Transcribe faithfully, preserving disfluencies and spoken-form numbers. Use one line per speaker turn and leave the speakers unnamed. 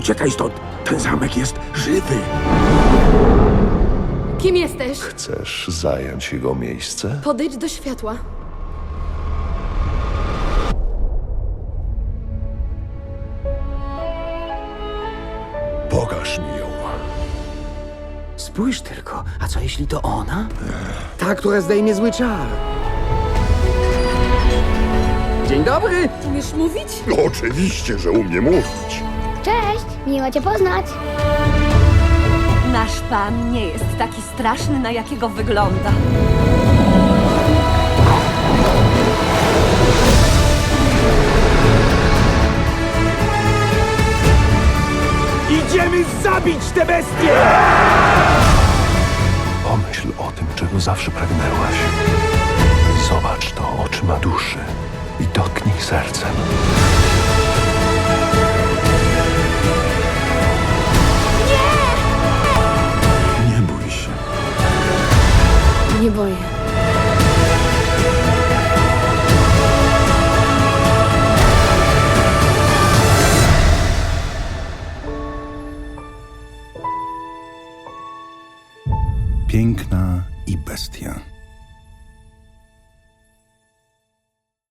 Uciekaj stąd! Ten zamek jest żywy!
Kim jesteś?
Chcesz zająć jego miejsce?
Podejdź do światła.
Pokaż mi ją.
Spójrz tylko, a co jeśli to ona?
Ta, która zdejmie zły czar. Dzień dobry!
Umiesz mówić?
No, oczywiście, że umie mówić.
Cześć, miło cię poznać.
Nasz pan nie jest taki straszny, na jakiego wygląda.
Idziemy zabić tę bestię!
Pomyśl o tym, czego zawsze pragnęłaś. Zobacz to oczyma duszy i dotknij sercem.
Nie bój się.
Nie boję.
Piękna i bestia.